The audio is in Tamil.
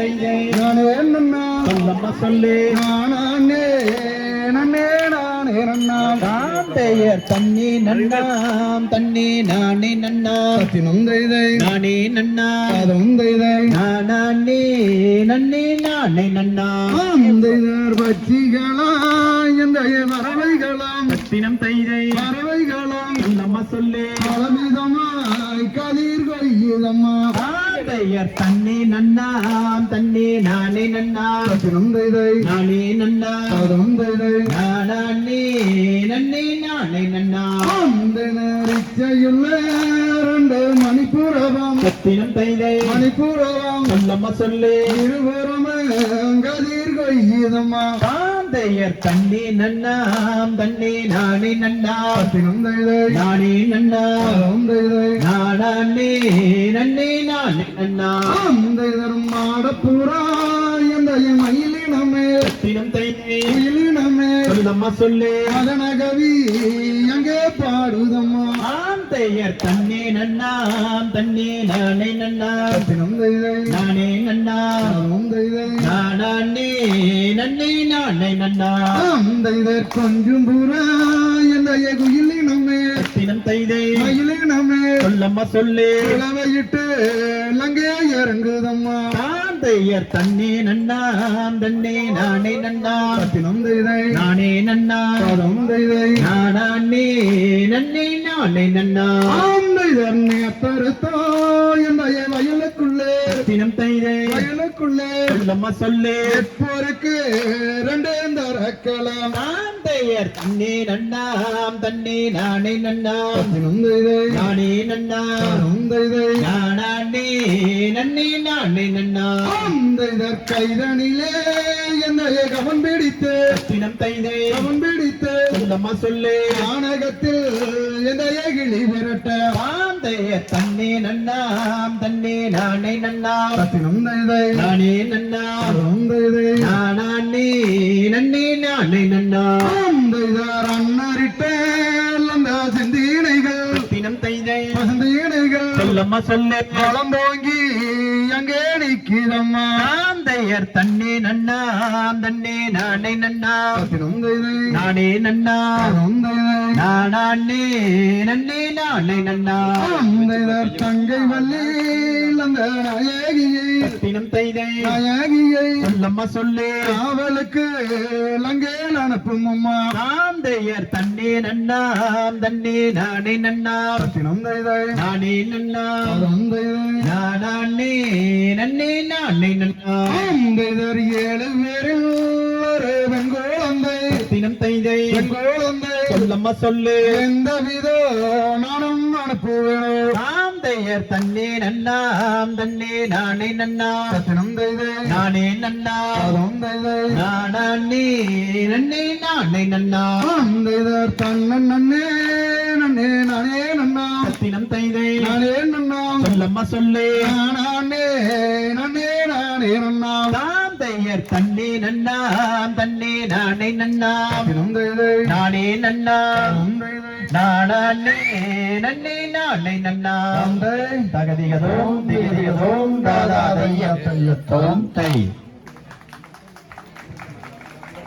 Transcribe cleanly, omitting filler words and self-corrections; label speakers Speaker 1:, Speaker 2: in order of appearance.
Speaker 1: தைதை
Speaker 2: நானே நன்னா
Speaker 1: சொல்லம்மா சொல்லு
Speaker 2: நானே நன்னே நானே நன்னா
Speaker 1: தாம் பெயர் தண்ணி நன்னாம் தண்ணி நானே நன்னா
Speaker 2: சத்தினம் தைதை
Speaker 1: நானே நன்னா
Speaker 2: அதும் தைதை
Speaker 1: நானே நன்னே நானே நன்னா
Speaker 2: தைதர் பட்சிகளா இந்த பறவைகளாம்
Speaker 1: சத்தினம் தைதை
Speaker 2: பறவைகளாம்
Speaker 1: சொல்லம்மா சொல்லு
Speaker 2: பலவிதமாய் கதிர் கொய்யுதம்மா
Speaker 1: பெயர் தண்ணி நன்னாம் தண்ணி நானே நன்னா
Speaker 2: சத்தினம் தைதை
Speaker 1: நானே நன்னா
Speaker 2: அதும் தைதை
Speaker 1: நானே நன்னே நானே நன்னா
Speaker 2: இச்சையுள்ள இரண்டு மணிப்புறவாம்
Speaker 1: சத்தினம் தைதை
Speaker 2: மணிப்புறவாம்
Speaker 1: சொல்லம்மா சொல்லு
Speaker 2: இருபுறமே கதிர் கொய்யுதம்மா
Speaker 1: பெயர் தண்ணி நன்னாம் தண்ணி நானே நன்னா
Speaker 2: சத்தினம் தைதை
Speaker 1: நானே நன்னா
Speaker 2: அதும் தைதை
Speaker 1: நானே நன்னே நானே நன்னா
Speaker 2: தைதரும் மாடப்புறா எந்த மயிலினமே
Speaker 1: சத்தினம் தைதை
Speaker 2: மயிலினமே
Speaker 1: சொல்லம்மா சொல்லு
Speaker 2: மதனகவி அங்கே பாடுதம்மா
Speaker 1: பெயர் தண்ணி நன்னாம் தண்ணி நானே நன்னா
Speaker 2: சத்தினம் தைதை
Speaker 1: நானே நன்னா
Speaker 2: அதும் தைதை
Speaker 1: நானே நன்னே நானே நன்னா
Speaker 2: தைதர் கொஞ்சம் புறா எந்த குயிலினமே
Speaker 1: சத்தினம் தைதை
Speaker 2: மயிலினமே
Speaker 1: சொல்லம்மா சொல்லு
Speaker 2: இளவையிட்டு லங்கே இறங்குதம்மா
Speaker 1: பெயர் தண்ணி நன்னாம் தண்ணி நானே நன்னா
Speaker 2: சத்தினம் தைதை
Speaker 1: நானே நன்னா
Speaker 2: அதும் தைதை
Speaker 1: நானே நன்னே நானே நன்னா
Speaker 2: தைதர் நேத்தருத்தோ எந்த வயலுக்குள்ளே
Speaker 1: சத்தினம் தைதை
Speaker 2: வயலுக்குள்ளே
Speaker 1: சொல்லம்மா சொல்லு
Speaker 2: எப்போருக்கு ரெண்டு தரக்கலாம்
Speaker 1: பெயர் தண்ணி நன்னாம் தண்ணி நானே நன்னா
Speaker 2: சத்தினம் தைதை
Speaker 1: நானே நன்னா
Speaker 2: அதும் தைதை
Speaker 1: நானே நன்னே நானே நன்னா
Speaker 2: தைதர் கைதனிலே எந்த கவன் பிடித்து
Speaker 1: சத்தினம் தைதை
Speaker 2: கவன் பிடித்து
Speaker 1: சொல்லம்மா சொல்லு
Speaker 2: நாடகத்தில் எந்த கிளி விரட்ட
Speaker 1: பெயர் தண்ணி நன்னாம் தண்ணி நானே நன்னா
Speaker 2: சத்தினம் தைதை
Speaker 1: நானே நன்னா
Speaker 2: அதும் தைதை
Speaker 1: நானே நன்னே நானே நன்னா
Speaker 2: தைதார் அன்னரிட்ட அந்த செந்தீனைகள்
Speaker 1: சத்தினம் தைதை
Speaker 2: செந்தீனைகள்
Speaker 1: சொல்லம்மா சொல்லு
Speaker 2: வளம்போங்கி அங்கே நிற்கிறம்மா
Speaker 1: பெயர் தண்ணி நன்னாம் தண்ணி நானே நன்னா
Speaker 2: சத்தினம் தைதை
Speaker 1: நானே நன்னா
Speaker 2: அதும் தைதை
Speaker 1: நானே நன்னே நானே நன்னா
Speaker 2: தைதர் தங்கை வள்ளி அந்த நாயகியை
Speaker 1: சத்தினம் தைதை
Speaker 2: நாயகியை
Speaker 1: சொல்லம்மா சொல்லு
Speaker 2: காவலுக்கு லங்கேல் அனுப்பும் அம்மா
Speaker 1: பெயர் தண்ணி நன்னாம் தண்ணி நானே நன்னா
Speaker 2: சத்தினம் தைதை
Speaker 1: நானே நன்னா
Speaker 2: அதும் தைதை
Speaker 1: நானே நன்னே நானே நன்னா
Speaker 2: தைதர் ஏழு பேரில் ஒரு வெண்கோளந்தை
Speaker 1: சத்தினம் தைதை
Speaker 2: வெண்கோளந்தை
Speaker 1: சொல்லம்மா சொல்லு
Speaker 2: எந்த வித நானும் அனுப்புவேன்
Speaker 1: பெயர் தண்ணி நன்னாம் தண்ணி நானே நன்னா
Speaker 2: சத்தினம் தைதை
Speaker 1: நானே நன்னா
Speaker 2: அதும் தைதை
Speaker 1: நானே நன்னே நானே நன்னா
Speaker 2: தைதர் தன்னன் நன்னே நன்னே நானே நன்னா
Speaker 1: சத்தினம் தைதை
Speaker 2: நானே நன்னா
Speaker 1: சொல்லம்மா சொல்லு
Speaker 2: நானே நன்னே நானே நன்னா
Speaker 1: பெயர் தண்ணி நன்னாம் தண்ணி நானே நன்னா
Speaker 2: சத்தினம் தைதை
Speaker 1: நானே நன்னா
Speaker 2: அதும் தைதை
Speaker 1: நானே நன்னே நானே நன்னா தகதிகதோம் திகதிகதோம் தாதா தையத்தோம் தை